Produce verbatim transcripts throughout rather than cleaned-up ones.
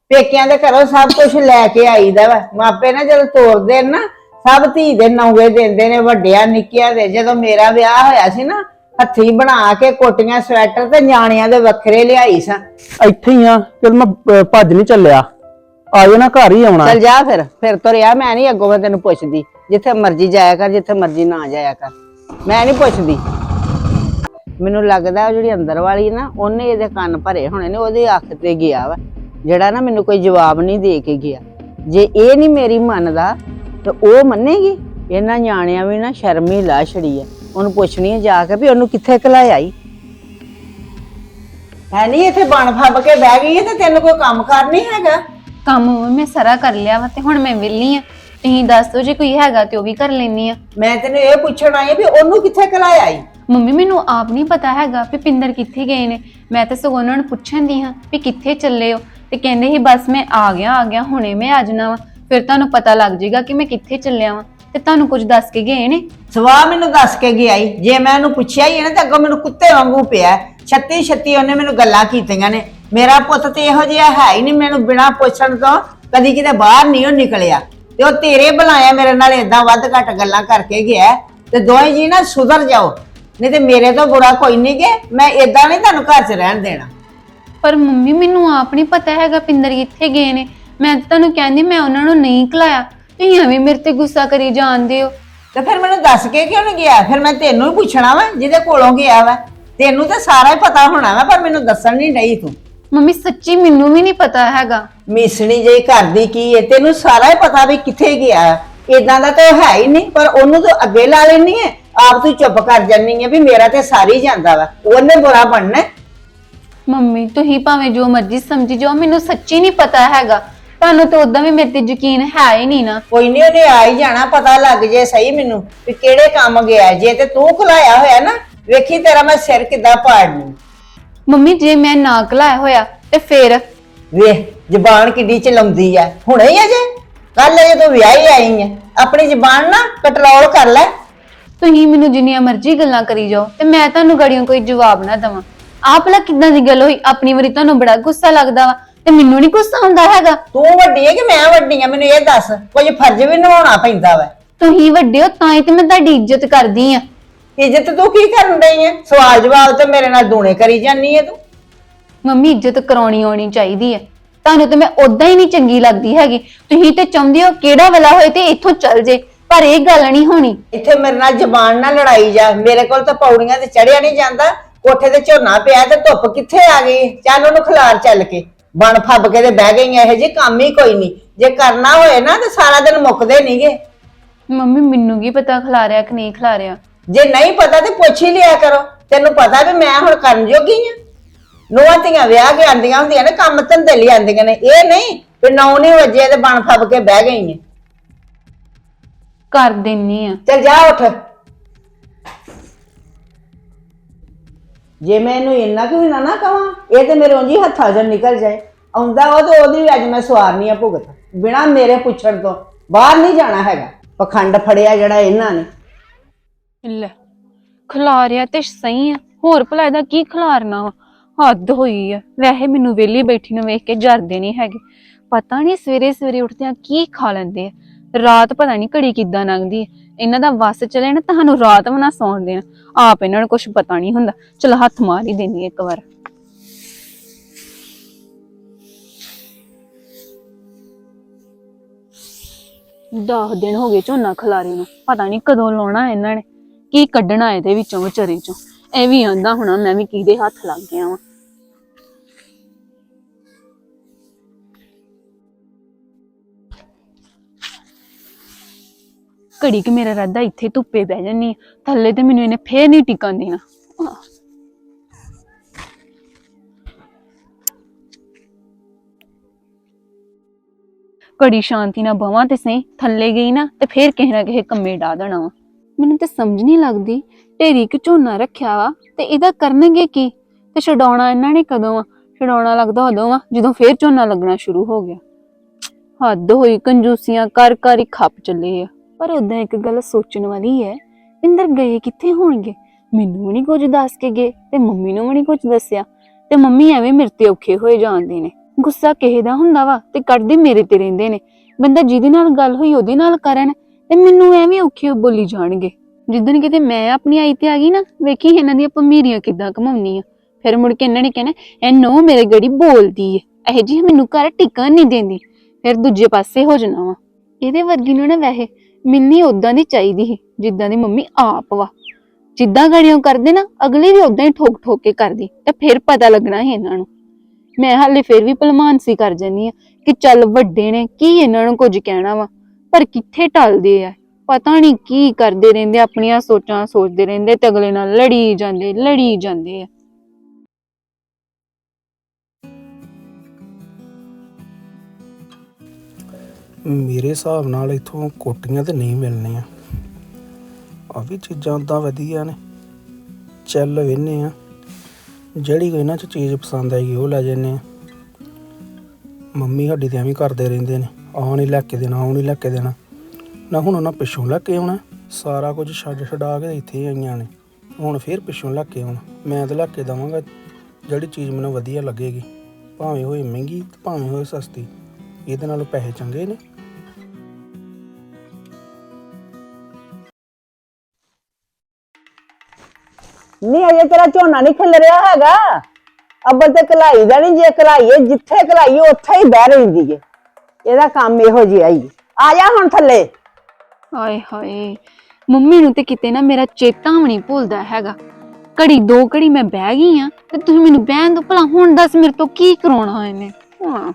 पेकियां दे घरों सब कुछ लैके आईदा वा। मापे ना जदों तोरदे ना सब धी दे नौवे देंदे ने, वड्डिया निक्किया दे। जदों मेरा विआह होया सी ना हत्थी बना के कोटियां स्वेटर ते न्याणियां दे वखरे लियाई सा। ਇੱਥੇ ਹੀ ਆ ਚਲ ਮੈਂ ਅਹ, ਭੱਜ ਨਹੀਂ ਚੱਲਿਆ ਆ ਜਾਣਾ घर ही आउणा। चल जा फिर फिर तो रिया मैं नहीं अगों मैं तेन पुछदी। जिथे मर्जी जाया कर, जिथे मर्जी ना जाया कर, मैं नहीं पुछदी। मैनू लगदा जिहड़ी अंदर वाली ना ओने इहदे कंन भरे होने ने, ओहदी अख ते गया वा जेड़ा ना मैनू कोई जवाब नहीं दे के गया। जे ये नहीं मेरी मनदा तो ओ मन्नेगी। इन्हां न्याणियां भी ना शर्म ही ला छड़ी है। ओनू पुछनी है जाके भी ओनू कित्थे घलाया ई है। नहीं इत्थे बन फब के बह गई है ते तैनू कोई काम कार नहीं हैगा। ਕੰਮ ਮੈਂ ਸਾਰਾ ਕਰ ਲਿਆ ਵਾ ਤੇ ਹੁਣ ਮੈਂ ਵਿਹਲੀ ਆ। ਤੁਸੀਂ ਦੱਸ ਦਿਓ ਜੇ ਕੋਈ ਹੈਗਾ ਤੇ ਉਹ ਵੀ ਕਰ ਲੈਣੀ ਆ। मैं तेनू ये पुछण आई भी ओनू कित्थे घलाया ई। ਮੰਮੀ ਮੈਨੂੰ ਆਪ ਨਹੀਂ ਪਤਾ ਹੈਗਾ ਵੀ ਪਿੰਦਰ ਕਿੱਥੇ ਗਏ ਨੇ। ਮੈਂ ਤਾਂ ਸਗੋਂ ਉਹਨਾਂ ਨੂੰ ਪੁੱਛਣ ਦੀ ਹਾਂ ਵੀ ਕਿੱਥੇ ਚੱਲੇ ਹੋ ਤੇ ਕਹਿੰਦੇ ਸੀ ਬਸ ਮੈਂ ਆ ਗਿਆ ਆ ਗਿਆ ਹੁਣੇ ਮੈਂ ਆ ਜਾਣਾ ਵਾ, ਫਿਰ ਤੁਹਾਨੂੰ ਪਤਾ ਲੱਗ ਜਾਏਗਾ ਕਿ ਮੈਂ ਕਿੱਥੇ ਚੱਲਿਆ ਵਾਂ। ਤੇ ਤੁਹਾਨੂੰ ਕੁਝ ਦੱਸ ਕੇ ਗਏ ਨੇ? ਸਵਾਹ ਮੈਨੂੰ ਦੱਸ ਕੇ ਗਿਆ ਈ। ਜੇ ਮੈਂ ਉਹਨੂੰ ਪੁੱਛਿਆ ਹੀ ਨਾ ਤੇ ਅੱਗੋਂ ਮੈਨੂੰ ਕੁੱਤੇ ਵਾਂਗੂ ਪਿਆ। ਛੱਤੀ ਛੱਤੀ ਉਹਨੇ ਮੈਨੂੰ ਗੱਲਾਂ ਕੀਤੀਆਂ ਨੇ। ਮੇਰਾ ਪੁੱਤ ਤੇ ਇਹੋ ਜਿਹਾ ਹੈ ਹੀ ਨਹੀਂ, ਮੈਨੂੰ ਬਿਨਾਂ ਪੁੱਛਣ ਤੋਂ ਕਦੀ ਕਿਤੇ ਬਾਹਰ ਨਹੀਂ ਉਹ ਨਿਕਲਿਆ। ਤੇ ਉਹ ਤੇਰੇ ਬੁਲਾਇਆ ਮੇਰੇ ਨਾਲ ਏਦਾਂ ਵੱਧ ਘੱਟ ਗੱਲਾਂ ਕਰਕੇ ਗਿਆ। ਤੇ ਦੋਵੇਂ ਜੀ ਨਾ ਸੁਧਰ ਜਾਓ, ਨਹੀਂ ਤੇ ਮੇਰੇ ਤੋਂ ਬੁਰਾ ਕੋਈ ਨਹੀਂ ਗੇ। ਮੈਂ ਏਦਾਂ ਨਹੀਂ ਤੁਹਾਨੂੰ ਘਰ 'ਚ ਰਹਿਣ ਦੇਣਾ। ਪਰ ਮੰਮੀ ਮੈਨੂੰ ਆਪ ਨਹੀਂ ਪਤਾ ਹੈਗਾ ਪਿੰਦਰ ਕਿੱਥੇ ਗਏ ਨੇ। ਮੈਂ ਤਾਂ ਤੁਹਾਨੂੰ ਕਹਿੰਦੀ ਮੈਂ ਉਹਨਾਂ ਨੂੰ ਨਹੀਂ ਘਲਾਇਆ, ਤੁਸੀਂ ਐਵੇਂ ਮੇਰੇ ਤੇ ਗੁੱਸਾ ਕਰੀ ਜਾਂਦੇ ਹੋ। ਤੇ ਫਿਰ ਮੈਨੂੰ ਦੱਸ ਕੇ ਕਿਉਂ ਨਹੀਂ ਗਿਆ? ਫਿਰ ਮੈਂ ਤੈਨੂੰ ਹੀ ਪੁੱਛਣਾ ਵਾ ਜਿਹਦੇ ਕੋਲੋਂ ਗਿਆ ਵਾ। ਤੈਨੂੰ ਤਾਂ ਸਾਰਾ ਹੀ ਪਤਾ ਹੋਣਾ ਵਾ, ਪਰ ਮੈਨੂੰ ਦੱਸਣ ਨਹੀਂ ਡਈ ਤੂੰ। ਮੰਮੀ ਸੱਚੀ ਮੈਨੂੰ ਵੀ ਨਹੀਂ ਪਤਾ ਹੈਗਾ। ਮਿਸਣੀ ਜਿਹੀ ਕਰਦੀ ਕੀ ਏ, ਤੈਨੂੰ ਸਾਰਾ ਹੀ ਪਤਾ ਵੀ ਕਿੱਥੇ ਗਿਆ। ਇਦਾਂ ਦਾ ਤਾਂ ਹੈ ਹੀ ਨਹੀਂ, ਪਰ ਉਹਨੂੰ ਤਾਂ ਅੱਗੇ ਲਾ ਲੈਣੀ ਹੈ। ਆਪ ਤੂੰ ਚੁੱਪ ਕਰ ਜਾਨੀ ਹੈ ਵੀ ਮੇਰਾ ਤੇ ਸਾਰੀ ਜਾਂਦਾ ਵਾ, ਉਹਨੇ ਬੁਰਾ ਬਣਨਾ। ਮੰਮੀ ਤੁਸੀਂ ਭਾਵੇਂ ਜੋ ਮਰਜ਼ੀ ਸਮਝੀ ਜਾਓ, ਮੈਨੂੰ ਸੱਚੀ ਨਹੀਂ ਪਤਾ ਹੈਗਾ। ਤੁਹਾਨੂੰ ਤਾਂ ਉਦਾਂ ਵੀ ਮੇਰੇ ਤੇ ਯਕੀਨ ਹੈ ਹੀ ਨਹੀਂ ਨਾ। ਕੋਈ ਨਹੀਂ, ਉਹਨੇ ਆ ਹੀ ਜਾਣਾ, ਪਤਾ ਲੱਗ ਜੇ ਸਹੀ ਮੈਨੂੰ ਵੀ ਕਿਹੜੇ ਕੰਮ ਗਿਆ। ਜੇ ਤੇ ਤੂੰ ਖੁਲਾਇਆ ਹੋਇਆ ਨਾ, ਵੇਖੀ ਤੇਰਾ ਮੈਂ ਸਿਰ ਕਿੱਦਾਂ ਪਾੜਨੀ। ਮੰਮੀ ਜੇ ਮੈਂ ਨਾ ਘਲਾਇਆ ਹੋਇਆ ਤੇ ਫੇਰ? ਵੇਖ ਜ਼ਬਾਨ ਕਿੱਡੀ ਚਲਾਉਂਦੀ ਆ। ਹੁਣੇ ਹੀ ਅਜੇ ਕੱਲ ਅਜੇ ਤੂੰ ਵਿਆਹੀ ਆਈ ਹੈ, ਆਪਣੀ ਜ਼ਬਾਨ ਨਾ ਕੰਟਰੋਲ ਕਰ ਲੈ। ਤੁਸੀਂ ਮੈਨੂੰ ਜਿੰਨੀਆਂ ਮਰਜ਼ੀ ਗੱਲਾਂ ਕਰੀ ਜਾਓ ਤੇ ਮੈਂ ਤੁਹਾਨੂੰ ਗੜੀਆਂ ਕੋਈ ਜਵਾਬ ਨਾ ਦੇਵਾਂ। ਆਪ ਲਾ ਕਿੱਦਾਂ ਦੀ ਗੱਲ ਹੋਈ? ਆਪਣੀ ਵਾਰੀ ਤੁਹਾਨੂੰ ਬੜਾ ਗੁੱਸਾ ਲੱਗਦਾ ਵਾ ਤੇ ਮੈਨੂੰ ਨਹੀਂ ਗੁੱਸਾ ਆਉਂਦਾ ਹੈਗਾ। ਤੂੰ ਵੱਡੀ ਹੈ ਕਿ ਮੈਂ ਵੱਡੀ ਆ? ਮੈਨੂੰ ਇਹ ਦੱਸ। ਕੁਝ ਫਰਜ਼ ਵੀ ਨਿਭਾਉਣਾ ਪੈਂਦਾ ਵਾ। ਤੁਸੀਂ ਵੱਡੇ ਹੋ ਤਾਂ ਹੀ ਤੇ ਮੈਂ ਤੁਹਾਡੀ ਇੱਜ਼ਤ ਕਰਦੀ ਆ। ਇੱਜ਼ਤ ਤੂੰ ਕੀ ਕਰਨ ਰਹੀ ਹੈ? ਸਵਾਲ ਜਵਾਬ ਤੇ ਮੇਰੇ ਨਾਲ ਦੂਣੇ ਕਰੀ ਜਾਨੀ ਹੈ ਤੂੰ। ਮੰਮੀ ਇੱਜ਼ਤ ਕਰਾਉਣੀ ਆਉਣੀ ਚਾਹੀਦੀ ਹੈ। ਤੁਹਾਨੂੰ ਤੇ ਮੈਂ ਉਦਾਂ ਹੀ ਨਹੀਂ ਚੰਗੀ ਲੱਗਦੀ ਹੈਗੀ। ਤੁਸੀਂ ਤੇ ਚਾਹੁੰਦੇ ਹੋ ਕਿਹੜਾ ਵੇਲਾ ਹੋਏ ਤੇ ਇੱਥੋਂ ਚੱਲ ਜੇ, ਪਰ ਇਹ ਗੱਲ ਨਹੀਂ ਹੋਣੀ। ਇੱਥੇ ਮੇਰੇ ਨਾਲ ਜ਼ਬਾਨ ਨਾਲ ਲੜਾਈ ਜਾ। ਮੇਰੇ ਕੋਲ ਤਾਂ ਪੌੜੀਆਂ ਤੇ ਚੜਿਆ ਨਹੀਂ ਜਾਂਦਾ। ਕੋਠੇ ਤੇ ਝੋਨਾ ਪਿਆ ਤੇ ਧੁੱਪ ਕਿੱਥੇ ਆ ਗਈ? ਚੱਲ ਉਹਨੂੰ ਖਿਲਾਰ ਚੱਲ ਕੇ। ਬਣ ਫੱਬ ਕੇ ਤੇ ਬਹਿ ਗਈਆਂ। ਇਹੋ ਜਿਹੇ ਕੰਮ ਹੀ ਕੋਈ ਨਹੀਂ। ਜੇ ਕਰਨਾ ਹੋਏ ਨਾ ਤੇ ਸਾਰਾ ਦਿਨ ਮੁੱਕਦੇ ਨਹੀਂਗੇ। ਮੰਮੀ ਮੈਨੂੰ ਕੀ ਪਤਾ ਖਿਲਾਰਿਆ ਕਿ ਨਹੀਂ ਖਿਲਾਰਿਆ। ਜੇ ਨਹੀਂ ਪਤਾ ਤੇ ਪੁੱਛ ਹੀ ਲਿਆ ਕਰੋ। ਤੈਨੂੰ ਪਤਾ ਵੀ ਮੈਂ ਹੁਣ ਕਰਨ ਜੋਗੀ ਆ। ਨੂੰਹਾਂ ਧੀਆਂ ਵਿਆਹ ਕੇ ਆਂਦੀਆਂ ਹੁੰਦੀਆਂ ਨੇ, ਕੰਮ ਧੰਦੇ ਲਈ ਆਂਦੀਆਂ ਨੇ। ਇਹ ਨਹੀਂ ਵੀ ਨੌ ਨਹੀਂ ਵਜੇ ਤੇ ਬਣ ਫੱਬ ਕੇ ਬਹਿ ਗਈ ਹੈ। ਕਰ ਦਿੰਨੀ ਆ। ਚੱਲ ਜਾ ਉੱਠ। ਜੇ ਮੈਂ ਇਹਨੂੰ ਇੰਨਾ ਕਿ ਵੀ ਨਾ ਨਾ ਕਵਾਂ, ਇਹ ਤੇ ਮੇਰੇ ਉਂਝ ਹੀ ਹੱਥਾਂ 'ਚੋਂ ਨਿਕਲ ਜਾਏ। ਆਉਂਦਾ ਉਹ ਤੇ ਉਹਦੀ ਵੀ ਅੱਜ ਮੈਂ ਸਵਾਰਨੀ ਆ ਭੁਗਤ। ਬਿਨਾਂ ਮੇਰੇ ਪੁੱਛਣ ਤੋਂ ਬਾਹਰ ਨਹੀਂ ਜਾਣਾ ਹੈਗਾ। ਪਖੰਡ ਫੜਿਆ ਜਿਹੜਾ ਇਹਨਾਂ ਨੇ। ਲੈ ਖਿਲਾਰਿਆ ਤੇ ਸਹੀ ਆ, ਹੋਰ ਭਲਾ ਇਹਦਾ ਕੀ ਖਿਲਾਰਨਾ ਵਾ? ਹੱਦ ਹੋਈ ਆ। ਵੈਸੇ ਮੈਨੂੰ ਵਿਹਲੀ ਬੈਠੀ ਨੂੰ ਵੇਖ ਕੇ ਜਰਦੇ ਨਹੀਂ ਹੈਗੇ। ਪਤਾ ਨਹੀਂ ਸਵੇਰੇ ਸਵੇਰੇ ਉੱਠਦਿਆਂ ਕੀ ਖਾ ਲੈਂਦੇ ਆ। ਰਾਤ ਪਤਾ ਨਹੀਂ ਘੜੀ ਕਿੱਦਾਂ ਲੰਘਦੀ ਹੈ। ਇਹਨਾਂ ਦਾ ਵੱਸ ਚਲੇ ਨਾ ਤੁਹਾਨੂੰ ਰਾਤ ਵੀ ਨਾ ਸੌਣ ਦੇਣਾ। ਆਪ ਇਹਨਾਂ ਨੂੰ ਕੁਛ ਪਤਾ ਨਹੀਂ ਹੁੰਦਾ। ਚਲ ਹੱਥ ਮਾਰ ਹੀ ਦੇਣੀ ਇੱਕ ਵਾਰ। ਦਸ ਦਿਨ ਹੋ ਗਏ ਝੋਨਾ ਖਲਾਰੇ ਨੂੰ, ਪਤਾ ਨਹੀਂ ਕਦੋਂ ਲਾਉਣਾ ਇਹਨਾਂ ਨੇ, ਕੀ ਕੱਢਣਾ ਇਹਦੇ ਵਿੱਚੋਂ ਵਿਚਾਰੇ ਚੋਂ। ਇਹ ਵੀ ਆਂਦਾ ਹੋਣਾ ਮੈਂ ਵੀ ਕਿਹਦੇ ਹੱਥ ਲੱਗ ਗਿਆ ਵਾਂ। ਘੜੀ ਕਿ ਮੇਰਾ ਰਾਦਾ ਇੱਥੇ ਧੁੱਪੇ ਬਹਿ ਜਾਨੀ, ਥੱਲੇ ਤੇ ਮੈਨੂੰ ਇਹਨੇ ਫੇਰ ਨਹੀਂ ਟਿਕਣ ਦੇਣਾ। ਘੜੀ ਸ਼ਾਂਤੀ ਨਾਲ ਬਵਾਂ ਤੇ ਸਹੀ, ਥੱਲੇ ਗਈ ਨਾ ਤੇ ਫੇਰ ਕਿਸੇ ਨਾ ਕਿਸੇ ਕੰਮੇ ਡਾ ਦੇਣਾ ਵਾ। ਮੈਨੂੰ ਤੇ ਸਮਝ ਨਹੀਂ ਲੱਗਦੀ, ਢੇਰੀ ਕਿ ਝੋਨਾ ਰੱਖਿਆ ਵਾ ਤੇ ਇਹਦਾ ਕਰਨਗੇ ਕੀ ਤੇ ਛਡਾਉਣਾ ਇਹਨਾਂ ਨੇ ਕਦੋਂ ਆ? ਛਡਾਉਣਾ ਲੱਗਦਾ ਉਦੋਂ ਵਾ ਜਦੋਂ ਫੇਰ ਝੋਨਾ ਲੱਗਣਾ ਸ਼ੁਰੂ ਹੋ ਗਿਆ। ਹੱਦ ਹੋਈ, ਕੰਜੂਸੀਆਂ ਕਰ ਕਰ ਹੀ ਖੱਪ ਚੱਲੇ ਆ। ਪਰ ਉਦਾਂ ਇੱਕ ਗੱਲ ਸੋਚਣ ਵਾਲੀ ਹੈ, ਪਿੰਦਰ ਗਏ ਕਿੱਥੇ ਹੋਣਗੇ? ਮੈਨੂੰ ਵੀ ਨਹੀਂ ਕੁਝ ਦੱਸ ਕੇ ਗਏ ਤੇ ਮੰਮੀ ਨੂੰ ਵੀ ਨਹੀਂ ਕੁਝ ਦੱਸਿਆ, ਤੇ ਮੰਮੀ ਐਵੇਂ ਮੇਰੇ ਤੇ ਔਖੇ ਹੋਏ ਜਾਂਦੇ ਨੇ। ਗੁੱਸਾ ਕਿਸੇ ਦਾ ਹੁੰਦਾ ਵਾ ਤੇ ਕੱਢਦੇ ਮੇਰੇ ਤੇ ਰਹਿੰਦੇ ਨੇ। ਬੰਦਾ ਜਿਹਦੇ ਨਾਲ ਗੱਲ ਹੋਈ ਉਹਦੇ ਨਾਲ ਕਰਨ ਤੇ ਮੈਨੂੰ ਐਵੇਂ ਔਖੇ ਬੋਲੀ ਜਾਣਗੇ। ਜਿੱਦਣ ਕਿਤੇ ਮੈਂ ਆਪਣੀ ਆਈ ਤੇ ਆ ਗਈ ਨਾ, ਵੇਖੀ ਇਹਨਾਂ ਦੀਆਂ ਭਮੀਰੀਆਂ ਕਿੱਦਾਂ ਘਮਾਉਣੀ ਆ। ਫਿਰ ਮੁੜ ਕੇ ਇਹਨਾਂ ਨੇ ਕਹਿਣਾ ਇਹ ਨੋ ਮੇਰੇ ਗੜੀ ਬੋਲਦੀ ਏ, ਇਹ ਜੀ ਮੈਨੂੰ ਘਰ ਟਿਕਣ ਨਹੀਂ ਦਿੰਦੀ। ਫਿਰ ਦੂਜੇ ਪਾਸੇ ਹੋ ਜਾਣਾ ਵਾ। ਇਹਦੇ ਵਰਗੀ ਨੂੰ ਨਾ ਵੈਸੇ ਮਿੰਨੀ ਉਦਾਂ ਦੀ ਚਾਹੀਦੀ ਸੀ ਜਿੱਦਾਂ ਦੀ ਮੰਮੀ ਆਪ ਵਾ। ਜਿੱਦਾਂ ਗੜੀਆਂ ਕਰਦੇ ਨਾ ਅਗਲੇ ਵੀ ਉਦਾਂ ਹੀ ਠੋਕ ਠੋਕ ਕੇ ਕਰਦੀ ਤੇ ਫਿਰ ਪਤਾ ਲੱਗਣਾ ਸੀ ਇਹਨਾਂ ਨੂੰ। ਮੈਂ ਹਾਲੇ ਫਿਰ ਵੀ ਭਲਮਾਨਸੀ ਕਰ ਜਾਂਦੀ ਆ ਕਿ ਚੱਲ ਵੱਡੇ ਨੇ ਕੀ ਇਹਨਾਂ ਨੂੰ ਕੁਝ ਕਹਿਣਾ ਵਾ, ਪਰ ਕਿੱਥੇ ਟਲਦੇ ਆ। ਪਤਾ ਨਹੀਂ ਕੀ ਕਰਦੇ ਰਹਿੰਦੇ, ਆਪਣੀਆਂ ਸੋਚਾਂ ਸੋਚਦੇ ਰਹਿੰਦੇ ਤੇ ਅਗਲੇ ਨਾਲ ਲੜੀ ਜਾਂਦੇ ਲੜੀ ਜਾਂਦੇ ਆ। ਮੇਰੇ ਹਿਸਾਬ ਨਾਲ ਇਥੋਂ ਕੋਟੀਆਂ ਤੇ ਨਹੀਂ ਮਿਲਣੀਆਂ। ਆ ਵੀ ਚੀਜ਼ਾਂ ਉਦਾਂ ਵਧੀਆ ਨੇ, ਚੱਲ ਵੇਨੇ ਆ ਜਿਹੜੀ ਕੋਈ ਇਹਨਾਂ 'ਚ ਚੀਜ਼ ਪਸੰਦ ਆਏਗੀ ਉਹ ਲੈ ਜਾਂਦੇ ਆ। ਮੰਮੀ ਸਾਡੀ ਤੇ ਐਵੇਂ ਕਰਦੇ ਰਹਿੰਦੇ ਨੇ, ਆਹ ਨਹੀਂ ਲੈ ਕੇ ਦੇਣਾ ਉਹ ਨਹੀਂ ਲੈ ਕੇ ਦੇਣਾ ਨਾ। ਹੁਣ ਉਹਨਾਂ ਪਿੱਛੋਂ ਲੈ ਕੇ ਆਉਣਾ, ਸਾਰਾ ਕੁਝ ਛੱਡ ਛਡਾ ਕੇ ਇੱਥੇ ਆਈਆਂ ਨੇ, ਹੁਣ ਫਿਰ ਪਿੱਛੋਂ ਲੈ ਕੇ ਆਉਣਾ। ਮੈਂ ਤਾਂ ਲੈ ਕੇ ਦੇਵਾਂਗਾ ਜਿਹੜੀ ਚੀਜ਼ ਮੈਨੂੰ ਵਧੀਆ ਲੱਗੇਗੀ, ਭਾਵੇਂ ਹੋਏ ਮਹਿੰਗੀ ਤੇ ਭਾਵੇਂ ਹੋਏ ਸਸਤੀ, ਇਹਦੇ ਨਾਲੋਂ ਪੈਸੇ ਚੰਗੇ ਨੇ। ਨਹੀਂ ਅਜੇ ਤੇਰਾ ਝੋਨਾ ਨਹੀਂ ਖਿਲ ਰਿਹਾ ਹੈਗਾ। ਅੱਬਲ ਤੇ ਕਲਾਈ ਦਾ ਨਹੀਂ, ਜੇ ਕਲਾਈਏ ਜਿੱਥੇ ਕਲਾਈਏ ਉੱਥੇ ਹੀ ਬਹਿ ਰਹਿੰਦੀ ਏ। ਇਹਦਾ ਕੰਮ ਇਹੋ ਜਿਹਾ ਹੀ। ਆ ਜਾ ਹੁਣ ਥੱਲੇ। ਹਾਏ ਹਾਏ, ਮੰਮੀ ਨੂੰ ਤੇ ਕਿਤੇ ਨਾ ਮੇਰਾ ਚੇਤਾ ਵੀ ਨਹੀਂ ਭੁੱਲਦਾ ਹੈਗਾ। ਘੜੀ ਦੋ ਘੜੀ ਮੈਂ ਬਹਿ ਗਈ ਆ ਤੇ ਤੁਸੀਂ ਮੈਨੂੰ ਬਹਿਣ ਦੋ ਭਲਾ। ਹੁਣ ਦੱਸ ਮੇਰੇ ਤੋਂ ਕੀ ਕਰਾਉਣਾ ਇਹਨੇ। ਹਾਂ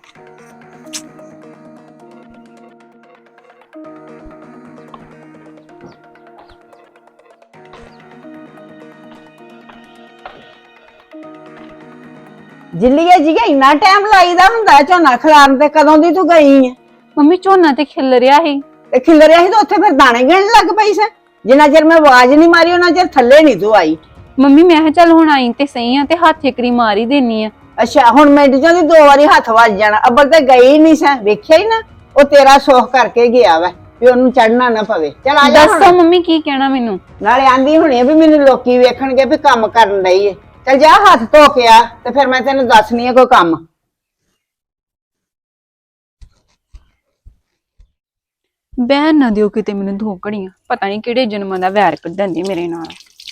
ਜਿੱਲੀਏ ਜੀ ਇੰਨਾ ਟਾਈਮ ਲਾਈਦਾ ਹੁੰਦਾ ਝੋਨਾ ਖਿਲਾਰਨ ਤੇ? ਕਦੋਂ ਦੀ ਤੂੰ ਗਈ ਹੈ? ਮੰਮੀ ਝੋਨਾ ਤੇ ਖਿਲ ਰਿਹਾ ਸੀ ਤੇ ਖਿਲ ਰਿਹਾ ਸੀ ਤਾਂ ਉੱਥੇ ਫਿਰ ਦਾਣੇ ਗਿਣਨ ਲੱਗ ਪਈ ਸੀ। ਜਿੰਨਾ ਚਿਰ ਮੈਂ ਆਵਾਜ਼ ਨਹੀਂ ਮਾਰੀ ਉਹਨਾਂ ਚਿਰ ਥੱਲੇ ਨਹੀਂ ਤੂੰ ਆਈ। ਮੰਮੀ ਮੈਂ ਕਿਹਾ ਚੱਲ ਹੁਣ ਆਈ ਤੇ ਸਹੀ ਆ ਤੇ ਹੱਥ ਇਕਰੀ ਮਾਰ ਹੀ ਦੇਣੀ ਆ। ਅੱਛਾ ਹੁਣ ਮਿੰਟ ਚੋਂ ਦੀ ਦੋ ਵਾਰੀ ਹੱਥ ਵੱਜ ਜਾਣਾ। ਅੱਬਲ ਤੇ ਗਈ ਨਹੀਂ ਸੀ, ਵੇਖਿਆ ਹੀ ਨਾ। ਉਹ ਤੇਰਾ ਸੁੱਖ ਕਰਕੇ ਗਿਆ ਵਾ ਵੀ ਉਹਨੂੰ ਚੜਨਾ ਨਾ ਪਵੇ। ਚੱਲ ਆ ਜਾ। ਦੱਸੋ ਮੰਮੀ ਕੀ ਕਹਿਣਾ ਮੈਨੂੰ? ਨਾਲੇ ਆਂਦੀ ਹੁਣੀ ਵੀ ਮੈਨੂੰ ਲੋਕੀ ਵੇਖਣਗੇ ਵੀ ਕੰਮ ਕਰਨ ਡਈ ਏ। ਚੱਲ ਜਾ ਹੱਥ ਧੋ ਕੇ ਆ ਤੇ ਫਿਰ ਮੈਂ ਤੈਨੂੰ ਦੱਸਣੀ ਆ ਕੋਈ ਕੰਮ। ਬਹਿਣ ਨਾ ਦਿਓ ਕਿਤੇ ਮੈਨੂੰ ਦੋ ਘੜੀਆਂ। ਪਤਾ ਨਹੀਂ ਕਿਹੜੇ ਜਨਮਾਂ ਦਾ ਵੈਰ ਕੱਢਣ ਦੀ ਮੇਰੇ ਨਾਲ।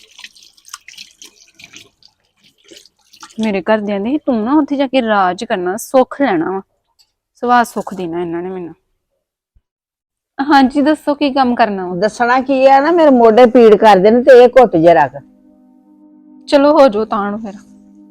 ਮੇਰੇ ਘਰਦਿਆਂ ਦੇ ਤੂੰ ਨਾ ਉੱਥੇ ਜਾ ਕੇ ਰਾਜ ਕਰਨਾ, ਸੁੱਖ ਲੈਣਾ ਵਾ। ਸਵਾਦ ਸੁੱਖ ਦੇਣਾ ਇਹਨਾਂ ਨੇ ਮੈਨੂੰ। ਹਾਂਜੀ ਦੱਸੋ ਕੀ ਕੰਮ ਕਰਨਾ ਵਾ? ਦੱਸਣਾ ਕੀ ਆ ਨਾ, ਮੇਰੇ ਮੋਢੇ ਪੀੜ ਕਰਦੇ ਨੇ ਤੇ ਇਹ ਘੁੱਟ ਜੇ ਰੱਖ। ਚਲੋ ਹੋ ਜਾਓ ਤਾਂ ਨੂੰ ਫਿਰ।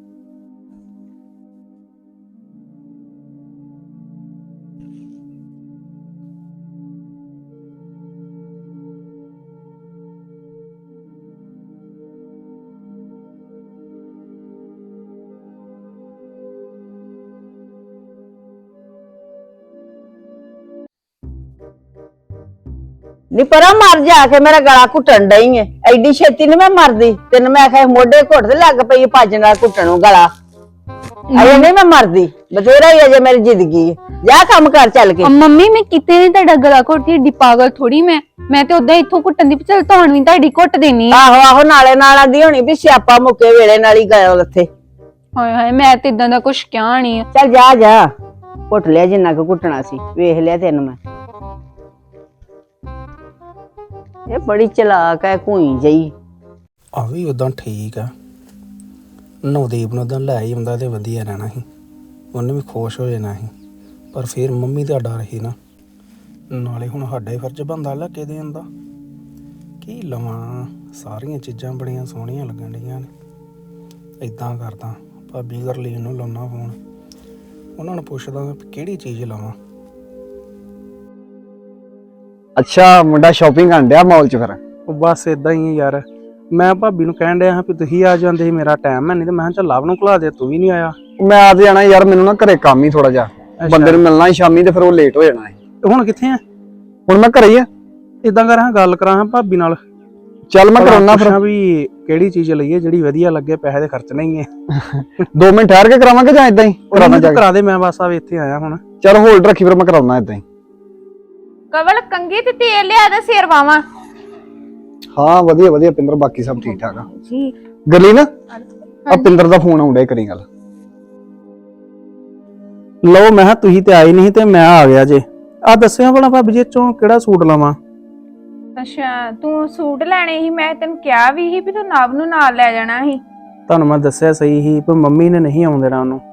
ਨੀ ਪਰਾਂ ਮਰ ਜਾ ਕੇ ਮੇਰਾ ਗਲਾ ਘੁੱਟਣ ਡਈ ਏ। ਐਡੀ ਛੇਤੀ ਨੀ ਮੈਂ ਮਰਦੀ। ਤੈਨੂੰ ਮੈਂ ਆਖਿਆ ਮੋਢੇ ਘੁੱਟ ਤੇ ਲੱਗ ਪਈ ਭੱਜ ਨਾਲ ਘੁੱਟਣ ਨੂੰ ਗਲਾ। ਅਜੇ ਨਹੀਂ ਮੈਂ ਮਰਦੀ, ਬਥੇਰਾ ਹੀ ਅਜੇ ਮੇਰੀ ਜ਼ਿੰਦਗੀ ਏ। ਜਾ ਕੰਮ ਕਰ ਚੱਲ ਕੇ। ਮੰਮੀ ਮੈਂ ਕਿਤੇ ਨਹੀਂ ਤੁਹਾਡਾ ਗਲਾ ਘੁੱਟਦੀ, ਏਡੀ ਪਾਗਲ ਥੋੜੀ ਮੈਂ ਮੈਂ ਤੇ ਉਦਾਂ ਇੱਥੋਂ ਘੁੱਟਣ ਦੀ ਚੱਲ ਧੌਣ ਵੀ ਤੁਹਾਡੀ ਘੁੱਟ ਦੇਣੀ। ਆਹੋ ਆਹੋ ਨਾਲੇ ਨਾਲ ਆਂਦੀ ਹੋਣੀ ਵੀ ਸਿਆਪਾ ਮੁੱਕੇ ਵੇਲੇ ਨਾਲ ਹੀ ਗਏ ਉੱਥੇ। ਹਾਏ ਹਾਏ ਮੈਂ ਤੇ ਇਦਾਂ ਦਾ ਕੁਛ ਕਿਹਾ ਨਹੀਂ ਆ। ਚੱਲ ਜਾ ਜਾ ਘੁੱਟ ਲਿਆ ਜਿੰਨਾ ਕੁ ਘੁੱਟਣਾ ਸੀ, ਵੇਖ ਲਿਆ ਤੈਨੂੰ ਮੈਂ। ਇਹ ਬੜੀ ਚਲਾਕ ਹੈ ਘੂਈ ਜਈ। ਆ ਵੀ ਉਦਾਂ ਠੀਕ ਆ। ਨਵਦੀਪ ਨੂੰ ਉਦਾਂ ਲੈ ਹੀ ਆਉਂਦਾ ਤੇ ਵਧੀਆ ਰਹਿਣਾ ਸੀ, ਉਹਨੇ ਵੀ ਖੁਸ਼ ਹੋ ਜਾਣਾ ਸੀ। ਪਰ ਫਿਰ ਮੰਮੀ ਦਾ ਡਰ ਸੀ ਨਾ, ਨਾਲੇ ਹੁਣ ਸਾਡਾ ਹੀ ਫਰਜ਼ ਬਣਦਾ ਲੈ ਕੇ ਦੇਣ ਦਾ। ਕੀ ਲਵਾਂ, ਸਾਰੀਆਂ ਚੀਜ਼ਾਂ ਬੜੀਆਂ ਸੋਹਣੀਆਂ ਲੱਗਣ ਡੀਆਂ ਨੇ। ਇੱਦਾਂ ਕਰਦਾ ਭਾਬੀ ਗਰਲੀਨ ਨੂੰ ਲਾਉਣਾ ਫੋਨ, ਉਹਨਾਂ ਨੂੰ ਪੁੱਛਦਾ ਕਿਹੜੀ ਚੀਜ਼ ਲਵਾਂ। ਅੱਛਾ ਮੁੰਡਾ ਸ਼ਾਪਿੰਗ ਕਰਨ ਡਿਆ ਮਾਲ ਚ? ਫਿਰ ਉਹ ਬਸ ਇਦਾਂ ਹੀ ਹੈ ਯਾਰ। ਮੈਂ ਭਾਬੀ ਨੂੰ ਕਹਿਣ ਡਿਆ ਹਾਂ ਵੀ ਤੁਸੀਂ ਆ ਜਾਂਦੇ ਸੀ, ਮੇਰਾ ਟਾਈਮ ਹੈ ਨਹੀਂ ਤੇ ਮੈਂ ਕਿਹਾ ਚੱਲ ਲਵ ਨੂੰ ਘਲਾ ਦੇ, ਤੂੰ ਵੀ ਨਹੀਂ ਆਇਆ। ਮੈਂ ਆ ਤੇ ਜਾਣਾ ਯਾਰ, ਮੈਨੂੰ ਨਾ ਘਰੇ ਕੰਮ ਹੀ ਥੋੜਾ ਜਿਹਾ, ਬੰਦੇ ਨੂੰ ਮਿਲਣਾ ਸੀ ਸ਼ਾਮੀ ਤੇ ਫਿਰ ਉਹ ਲੇਟ ਹੋ ਜਾਣਾ ਹੈ। ਹੁਣ ਕਿੱਥੇ ਆ? ਹੁਣ ਮੈਂ ਘਰੇ ਹੀ ਆ। ਇਦਾਂ ਕਰਾਂ ਗੱਲ ਕਰਾਂ ਭਾਬੀ ਨਾਲ, ਚੱਲ ਮੈਂ ਕਰਾਉਣਾ ਫਿਰ। ਵੀ ਕਿਹੜੀ ਚੀਜ਼ ਲਈਏ ਜਿਹੜੀ ਵਧੀਆ ਲੱਗੇ, ਪੈਸੇ ਦੇ ਖਰਚਣੇ ਹੀ ਹੈ। ਦੋ ਮਿੰਟ ਠਹਿਰ ਕੇ ਕਰਾਵਾਂਗੇ ਜਾਂ ਇਦਾਂ ਹੀ ਕਰਾਉਣਾ? ਜਾ ਕਰਾ ਦੇ, ਮੈਂ ਬਸ ਆ ਇੱਥੇ ਆਇਆ ਹੁਣ। ਚੱਲ ਹੋਲਡ ਰੱਖੀ ਫਿਰ ਮੈਂ ਕਰਾਉਣਾ ਇਦਾਂ ਹੀ। ਕਵਲ ਕੰਗੀ ਤੇ ਤੇਲ ਲਿਆ ਦਾ ਸਿਰ ਵਾਵਾਂ। ਹਾਂ ਵਧੀਆ ਵਧੀਆ ਪਿੰਦਰ, ਬਾਕੀ ਸਭ ਠੀਕ ਠਾਕ ਆ ਜੀ। ਗਰਲੀ ਨਾ ਆ ਪਿੰਦਰ ਦਾ ਫੋਨ ਆਉਂਦਾ, ਕਰੀ ਗੱਲ। ਲਓ ਮੈਂ ਕਿਹਾ ਤੁਸੀਂ ਤੇ ਆਏ ਨਹੀਂ ਤੇ ਮੈਂ ਆ ਗਿਆ ਜੇ। ਆ ਦੱਸਿਆ ਭਲਾ ਭਾਬੀ ਜੀ ਚੋਂ ਕਿਹੜਾ ਸੂਟ ਲਵਾਂ? ਅੱਛਾ ਤੂੰ ਸੂਟ ਲੈਣੇ ਸੀ, ਮੈਂ ਤੈਨੂੰ ਕਿਹਾ ਵੀ ਸੀ ਵੀ ਤੂੰ ਨਵ ਨੂੰ ਨਾਲ ਲੈ ਜਾਣਾ ਸੀ। ਤੁਹਾਨੂੰ ਮੈਂ ਦੱਸਿਆ ਸਹੀ ਸੀ ਪਰ ਮੰਮੀ ਨੇ ਨਹੀਂ ਆਉਣ ਦੇਣਾ ਉਹਨੂੰ।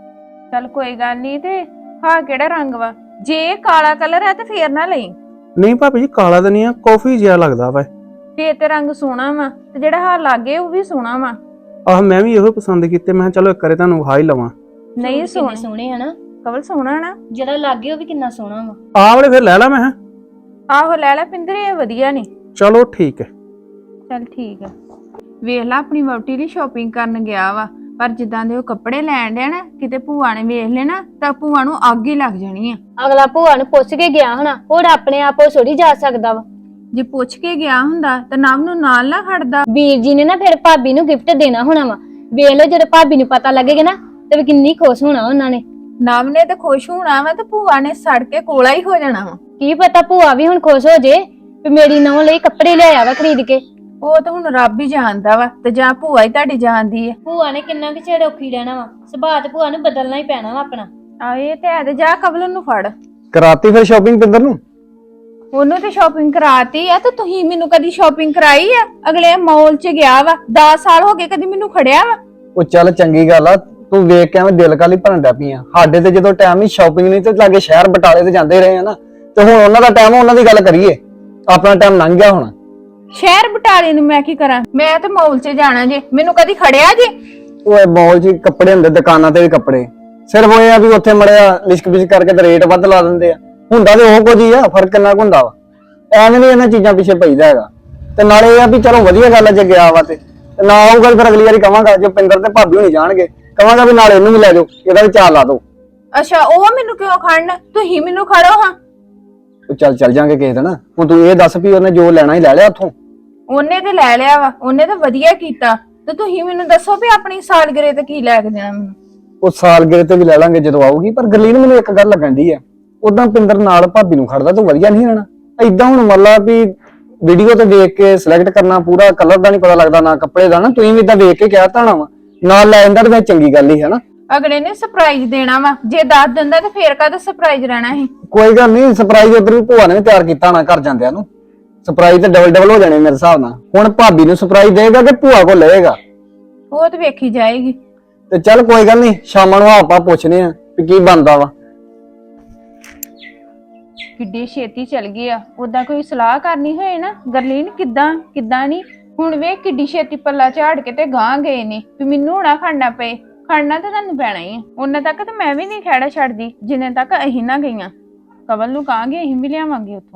ਚੱਲ ਕੋਈ ਗੱਲ ਨਹੀਂ। ਤੇ ਹਾਂ ਕਿਹੜਾ ਰੰਗ ਵਾ? ਜੇ ਇਹ ਕਾਲਾ ਕਲਰ ਹੈ ਤੇ ਫੇਰ ਨਾ ਲਈ। ਨਹੀਂ ਭਾਬੀ ਜੀ ਕਾਲਾ ਤਾਂ ਨਹੀਂ ਆ, ਕਾਫੀ ਜਿਹਾ ਲੱਗਦਾ ਵਾ। ਫੇਰ ਤੇ ਰੰਗ ਸੋਹਣਾ ਵਾ ਤੇ ਜਿਹੜਾ ਹਾਂ ਲਾਗੇ ਉਹ ਵੀ ਸੋਹਣਾ ਵਾ। ਆਹ ਮੈਂ ਵੀ ਇਹੋ ਪਸੰਦ ਕੀਤੇ, ਮੈਂ ਕਿਹਾ ਚਲੋ ਇੱਕ ਵਾਰੀ ਤੁਹਾਨੂੰ ਵਿਖਾ ਹੀ ਲਵਾਂ। ਨਹੀਂ ਸੋਹਣੇ ਸੋਹਣੇ ਸੋਹਣੇ ਹਨਾ, ਕਵਲ ਸੋਹਣਾ ਨਾ। ਜਿਹੜਾ ਲੱਗੇ ਉਹ ਵੀ ਕਿੰਨਾ ਸੋਹਣਾ ਵਾ। ਆਹ ਵਾਲੇ ਫਿਰ ਲੈ ਲਾ ਮੈਂ ਕਿਹਾ। ਆਹੋ ਲੈ ਲੈ ਪਿੰਦਰੇ, ਇਹ ਵਧੀਆ ਨੇ। ਚਲੋ ਠੀਕ ਹੈ। ਚੱਲ ਠੀਕ ਆ। ਵੇਖ ਲਾ ਆਪਣੀ ਵਹੁਟੀ ਲਈ ਸ਼ਾਪਿੰਗ ਕਰਨ ਗਿਆ ਵਾ, ਪਰ ਜਿੱਦਾਂ ਦੇ ਉਹ ਕੱਪੜੇ ਲੈਣ ਡਿਆ ਨਾ, ਕਿਤੇ ਭੂਆ ਨੇ ਵੇਖ ਲੈਣਾ ਤਾਂ ਭੂਆ ਨੂੰ ਅੱਗ ਹੀ ਲੱਗ ਜਾਣੀ ਆ। ਅਗਲਾ ਭੂਆ ਨੂੰ ਪੁੱਛ ਕੇ ਗਿਆ ਹੋਣਾ, ਹੋਰ ਆਪਣੇ ਆਪ ਉਹ ਥੋੜੀ ਜਾ ਸਕਦਾ ਵਾ। ਜੇ ਪੁੱਛ ਕੇ ਗਿਆ ਹੁੰਦਾ ਤਾਂ ਨਵ ਨੂੰ ਨਾਲ ਨਾ ਖੜਦਾ। ਵੀਰ ਜੀ ਨੇ ਨਾ ਫਿਰ ਭਾਬੀ ਨੂੰ ਗਿਫਟ ਦੇਣਾ ਹੋਣਾ ਵਾ। ਵੇਖ ਲਓ ਜਦੋਂ ਭਾਬੀ ਨੂੰ ਪਤਾ ਲੱਗੇਗਾ ਨਾ ਤੇ ਕਿੰਨੀ ਖੁਸ਼ ਹੋਣਾ ਉਹਨਾਂ ਨੇ। ਨਵ ਨੇ ਤਾਂ ਖੁਸ਼ ਹੋਣਾ ਵਾ ਤੇ ਭੂਆ ਨੇ ਸੜ ਕੇ ਕੋਲਾ ਹੀ ਹੋ ਜਾਣਾ ਵਾ। ਕੀ ਪਤਾ ਭੂਆ ਵੀ ਹੁਣ ਖੁਸ਼ ਹੋ ਜੇ ਵੀ ਮੇਰੀ ਨੌਂ ਲਈ ਕੱਪੜੇ ਲਿਆਇਆ ਵਾ ਖਰੀਦ ਕੇ। ਉਹ ਤਾਂ ਹੁਣ ਰੱਬ ਹੀ ਜਾਣਦਾ ਵਾ, ਤੇ ਜਾਂ ਭੂਆ ਹੀ ਤੁਹਾਡੀ ਜਾਣਦੀ ਹੈ। ਭੂਆ ਨੇ ਕਿੰਨਾ ਕੁ ਚਿਰ ਔਖੀ ਰਹਿਣਾ ਵਾ, ਸੁਭਾਅ ਤੇ ਭੂਆ ਨੂੰ ਬਦਲਣਾ ਹੀ ਪੈਣਾ ਵਾ ਆਪਣਾ। ਆ ਇਹ ਤੇ ਹੈ ਤੇ ਜਾ ਕਬਲ ਨੂੰ ਫੜ। ਕਰਾਤੀ ਫਿਰ ਸ਼ਾਪਿੰਗ ਪਿੰਦਰ ਨੂੰ? ਉਹਨੂੰ ਤੇ ਸ਼ਾਪਿੰਗ ਕਰਾਤੀ ਆ, ਤੇ ਤੁਸੀਂ ਮੈਨੂੰ ਕਦੀ ਸ਼ਾਪਿੰਗ ਕਰਾਈ ਆ? ਅਗਲੇ ਮਾਲ 'ਚ ਗਿਆ ਵਾ, ਦਸ ਸਾਲ ਹੋ ਗਏ ਕਦੀ ਮੈਨੂੰ ਖੜਿਆ ਵਾ। ਉਹ ਚੱਲ ਚੰਗੀ ਗੱਲ ਆ, ਤੂੰ ਵੇਖ ਕੇ ਐਵੇਂ ਦਿਲ ਕਾਲੀ ਭਰਨ ਡੈ ਪਈ ਆ। ਸਾਡੇ ਤੇ ਜਦੋਂ ਟਾਈਮ ਹੀ ਸ਼ਾਪਿੰਗ ਨਹੀਂ ਤੇ ਲਾਗੇ ਸ਼ਹਿਰ ਬਟਾਲੇ ਤੇ ਜਾਂਦੇ ਰਹੇ ਆ ਨਾ, ਤੇ ਹੁਣ ਉਹਨਾਂ ਦਾ ਟਾਈਮ, ਉਹਨਾਂ ਦੀ ਗੱਲ ਕਰੀਏ। ਆਪਣਾ ਟਾਈਮ ਲੰਘ ਗਿਆ ਹੁਣ। ਸ਼ਹਿਰ ਬਟਾਲੇ ਨੂੰ ਮੈਂ ਕੀ ਕਰਾਂ? ਮੈਂ ਤੇ ਮਾਲ 'ਚ ਜਾਣਾ ਜੇ, ਮੈਨੂੰ ਕਦੀ ਖੜਿਆ ਜੇ? ਉਹ ਮਾਲ 'ਚ ਕੱਪੜੇ ਹੁੰਦੇ, ਦੁਕਾਨਾਂ ਤੇ ਵੀ ਕੱਪੜੇ। ਸਿਰਫ ਉਹ ਇਹ ਆ ਵੀ ਉੱਥੇ ਮੜਿਆ ਲਿਸ਼ਕ ਬਿਸ਼ਕ ਕਰਕੇ ਤੇ ਰੇਟ ਵੱਧ ਲਾ ਦਿੰਦੇ ਆ। ਹੁੰਦਾ ਤੇ ਉਹ ਕੁਝ ਹੀ ਆ, ਫਰਕ ਕਿੰਨਾ ਕੁ ਹੁੰਦਾ ਵਾ। ਐਵੇਂ ਨਹੀਂ ਇਹਨਾਂ ਚੀਜ਼ਾਂ ਪਿੱਛੇ ਪਈਦਾ ਹੈਗਾ। ਤੇ ਨਾਲੇ ਇਹ ਆ ਵੀ ਚਲੋ ਵਧੀਆ ਗੱਲ ਆ ਜੇ ਗਿਆ ਵਾ ਤੇ ਨਾ ਆਊਗਾ ਫਿਰ ਅਗਲੀ ਵਾਰੀ ਕਵਾਂਗਾ, ਜੇ ਪਿੰਦਰ ਤੇ ਭਾਬੀ ਹੋਣੀ ਜਾਣਗੇ ਕਵਾਂਗਾ ਵੀ ਨਾਲ ਇਹਨੂੰ ਵੀ ਲੈ ਜਾਓ, ਇਹਦਾ ਵੀ ਚਾਲ ਲਾ ਦਿਓ। ਅੱਛਾ ਉਹ ਮੈਨੂੰ ਕਿਉਂ ਖੜਨ? ਤੁਸੀਂ ਮੈਨੂੰ ਖੜੋ ਹਾਂ। ਉਹ ਚੱਲ ਚੱਲ ਜਾਾਂਗੇ ਕਿਸੇ ਦਿਨ। ਹੁਣ ਤੂੰ ਇਹ ਦੱਸ ਵੀ ਉਹਨੇ ਜੋ ਲੈਣਾ ਹੀ ਲੈ ਲਿਆ ਉੱਥੋਂ? ਉਹਨੇ ਤੇ ਲੈ ਲਿਆ ਵਾ, ਉਹਨੇ ਤਾਂ ਵਧੀਆ ਕੀਤਾ। ਤੇ ਤੁਸੀਂ ਮੈਨੂੰ ਦੱਸੋ ਵੀ ਆਪਣੀ ਸਾਲਗਿਰੇ ਤੇ ਕੀ ਲੈ ਕੇ ਦੇਣਾ ਮੈਨੂੰ? ਉਹ ਸਾਲਗਿਰੇ ਤੇ ਵੀ ਲੈ ਲਾਂਗੇ ਜਦੋਂ ਆਊਗੀ। ਪਰ ਗਰਲੀਨ ਮੈਨੂੰ ਇੱਕ ਗੱਲ ਲੱਗਣ ਦੀ ਆ, ਉਦਾਂ ਪਿੰਦਰ ਨਾਲ ਭਾਬੀ ਨੂੰ ਖੜਦਾ ਤੂੰ ਵਧੀਆ ਨਹੀਂ ਰਹਿਣਾ ਏਦਾਂ। ਹੁਣ ਮੰਨ ਲਾ ਵੀ ਵੀਡੀਓ ਤੇ ਦੇਖ ਕੇ ਸਿਲੈਕਟ ਕਰਨਾ, ਪੂਰਾ ਕਲਰ ਦਾ ਨਹੀਂ ਪਤਾ ਲੱਗਦਾ ਨਾ ਕੱਪੜੇ ਦਾ, ਨਾ ਤੁਸੀਂ ਵੀ ਇਦਾਂ ਵੇਖ ਕੇ ਕਹਿ ਤਾਣਾ ਵਾ ਨਾਲ ਲੈ ਜਾਂਦਾ ਤੇ ਚੰਗੀ ਗੱਲ ਹੀ ਹੈ ਨਾ। ਅਗਲੇ ਨੇ ਸਰਪ੍ਰਾਈਜ਼ ਦੇਣਾ ਵਾ, ਜੇ ਦੱਸ ਦਿੰਦਾ ਤੇ ਫੇਰ ਕਾਹਦਾ ਸਰਪ੍ਰਾਈਜ਼ ਰਹਿਣਾ ਸੀ? ਕੋਈ ਗੱਲ ਨਹੀਂ, ਸਰਪ੍ਰਾਈਜ਼ ਉਧਰ ਵੀ ਭੂਆ ਨੇ ਵੀ ਤਿਆਰ ਕੀਤਾ ਨਾ ਘਰ ਜਾਂਦਿਆਂ ਨੂੰ। ਸਰਪ੍ਰਾਈਜ਼ ਤੇ ਡਬਲ ਡਬਲ ਹੋ ਜਾਣੇ ਮੇਰੇ ਹਿਸਾਬ ਨਾਲ। ਹੁਣ ਭਾਬੀ ਨੂੰ ਸਰਪ੍ਰਾਈਜ਼ ਦੇਗਾ ਕਿ ਭੂਆ ਕੋਲ ਲਏਗਾ? ਉਹ ਤੇ ਵੇਖੀ ਜਾਏਗੀ। ਤੇ ਚੱਲ ਕੋਈ ਗੱਲ ਨਹੀਂ, ਸ਼ਾਮਾਂ ਨੂੰ ਆਪਾਂ ਪੁੱਛਦੇ ਆਂ ਵੀ ਕੀ ਬਣਦਾ ਵਾ। ਕਿੱਡੀ ਛੇਤੀ ਚਲ ਗਈ ਆ। ਉਦਾਂ ਕੋਈ ਸਲਾਹ ਕਰਨੀ ਹੋਏ ਨਾ, ਗਰਲੀਨ ਕਿੱਦਾਂ ਕਿੱਦਾਂ ਨਹੀਂ। ਹੁਣ ਵੇਖ ਕਿੱਡੀ ਛੇਤੀ ਪੱਲਾ ਝਾੜ ਕੇ ਤੇ ਗਾਂ ਗਏ ਨੇ ਵੀ ਮੈਨੂੰ ਨਾ ਖੜਨਾ ਪਏ। ਖੜਨਾ ਤਾਂ ਤੁਹਾਨੂੰ ਪੈਣਾ ਹੀ ਆ। ਉਹਨਾਂ ਤੱਕ ਤਾਂ ਮੈਂ ਵੀ ਨਹੀਂ ਖੜਾ ਛੱਡਦੀ ਜਿੰਨੇ ਤੱਕ ਅਸੀਂ ਨਾ ਗਈਆਂ। ਕਵਲ ਨੂੰ ਕਹਾਂਗੇ ਅਸੀਂ ਵੀ ਲਿਆਵਾਂਗੇ ਉੱਥੋਂ।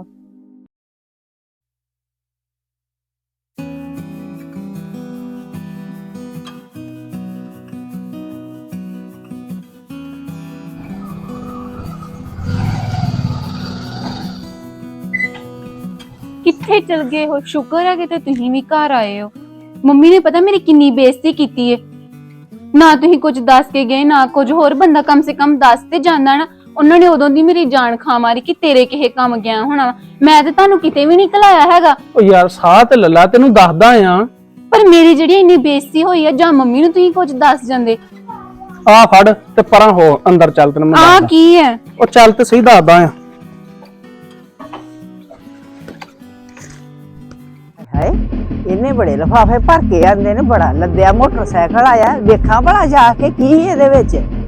ਕਿੱਥੇ ਚਲ ਗਏ ਹੋ? ਸ਼ੁਕਰ ਹੈ ਕਿ ਤੇ ਤੁਸੀਂ ਵੀ ਘਰ ਆਏ ਹੋ। ਮੰਮੀ ਨੇ ਪਤਾ ਮੇਰੀ ਕਿੰਨੀ ਬੇਇੱਜ਼ਤੀ ਕੀਤੀ ਹੈ। ਨਾ ਤੁਸੀਂ ਕੁਝ ਦੱਸ ਕੇ ਗਏ ਨਾ ਕੁਝ ਹੋਰ। ਬੰਦਾ ਕਮ ਸੇ ਕਮ ਦੱਸ ਤੇ ਜਾਂਦਾ ਨਾ। ਉਹਨਾਂ ਨੇ ਉਦੋਂ ਦੀ ਮੇਰੀ ਜਾਨ ਖਾ ਮਾਰੀ ਕਿ ਤੇਰੇ ਕਿਹੇ ਕੰਮ ਗਿਆ ਹੋਣਾ। ਮੈਂ ਤੇ ਤੁਹਾਨੂੰ ਕਿਤੇ ਵੀ ਨਹੀਂ ਘਲਾਇਆ ਹੈਗਾ। ਉਹ ਯਾਰ ਸਾਹ ਤੇ ਲੱਲਾ, ਤੈਨੂੰ ਦੱਸਦਾ ਆ। ਪਰ ਮੇਰੀ ਜਿਹੜੀ ਇੰਨੀ ਬੇਇੱਜ਼ਤੀ ਹੋਈ ਆ, ਜਾਂ ਮੰਮੀ ਨੂੰ ਤੁਸੀਂ ਕੁਝ ਦੱਸ ਜਾਂਦੇ। ਆ ਫੜ ਤੇ ਪਰਾਂ ਹੋ, ਅੰਦਰ ਚੱਲ ਤੈਨੂੰ ਮੈਂ ਆ ਦੱਸਦਾ। ਕੀ ਹੈ? ਉਹ ਚੱਲ ਤੇ ਸਹੀ ਦੱਸਦਾ ਆ। ਹਾਏ ਇਹਨੇ ਬੜੇ ਲਫਾਫੇ ਭਰ ਕੇ ਆਂਦੇ ਨੇ, ਬੜਾ ਲੱਦਿਆ ਮੋਟਰਸਾਈਕਲ ਆਇਆ। ਵੇਖਾਂ ਭਲਾ ਜਾ ਕੇ ਕੀ ਇਹਦੇ ਵਿੱਚ।